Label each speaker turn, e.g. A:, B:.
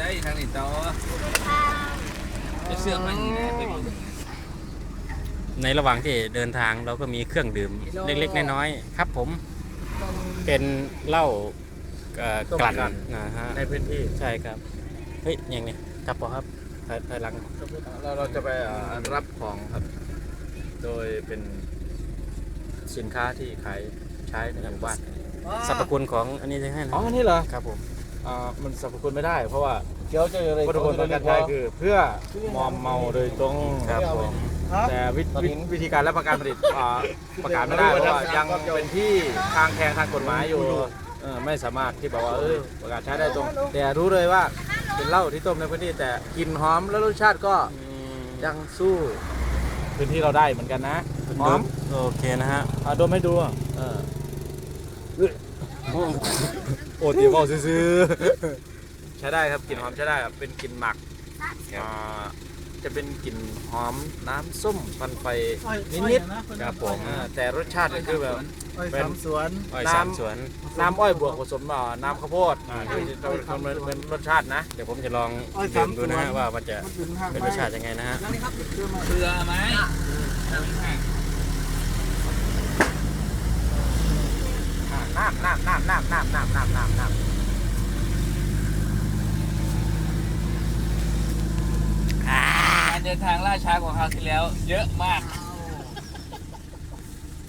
A: ได้ทางนี้ต่อจะเชื่อมันนี่นะไปดู
B: ในระหว่างที่เดินทางเราก็มีเครื่องดื่มเล็กๆน้อยๆครับผมเป็นเหล้ากลั่นนะฮะ
C: ในพื้นที่
B: ใช่ครับเฮ้ยยังไงครับพอครับถอยหลัง
C: เราจะไปรับของครับ โดยเป็นสินค้าที่ขายใช้ในหมู่บ้าน
B: สรรพคุณของอันนี้จะให้นะ
C: อ๋อนี่เหรอ
B: ครับผม
C: มันสรรพคุณไม่ได้ เพราะว่า
D: เดี๋ยวจะอะไร
C: วัตถุประสงค์การใช้คือเพื่อมอมเมาโดยตรง
B: ครับผม
C: แต่วิธีการและประการผลิตประกาศไม่ได้เพราะว่ายังเป็นที่ทางแทงทางกฎหมายอยู่ไม่สามารถที่บอกว่าประกาศใช้ได้ตรง แต่รู้เลยว่าเป็นเหล้าที่ต้มในพื้นที่แต่กลิ่นหอมและรสชาติก็ยังสู้พื้นที่เราได้เหมือนกันนะหอม
B: โอเคนะฮะ
C: ดมให้ดูโอ้ตีบอกซื้อๆใช้ได้ครับกลิ่นหอมใช้ได้ครับเป็นกลิ่นหมักจะเป็นกลิ่นหอมน้ำส้มควันไฟนิดๆ
B: ครับผม
C: แต่รสชาติก็คือแบบ
D: เป็นสวน
B: อ้อยสามสวน
C: น้ำอ้อยบวกผสมน้ำข้าวโพดที่จะเป็นรสชาตินะ
B: เดี๋ยวผมจะลองดื่มดูนะฮะว่ามันจะเป็นรสชาติยังไงนะฮะ
A: เรือไหม
C: น้ำ
A: การเดินทางล่าช้ากว่าคราวที่แล้ว เยอะมาก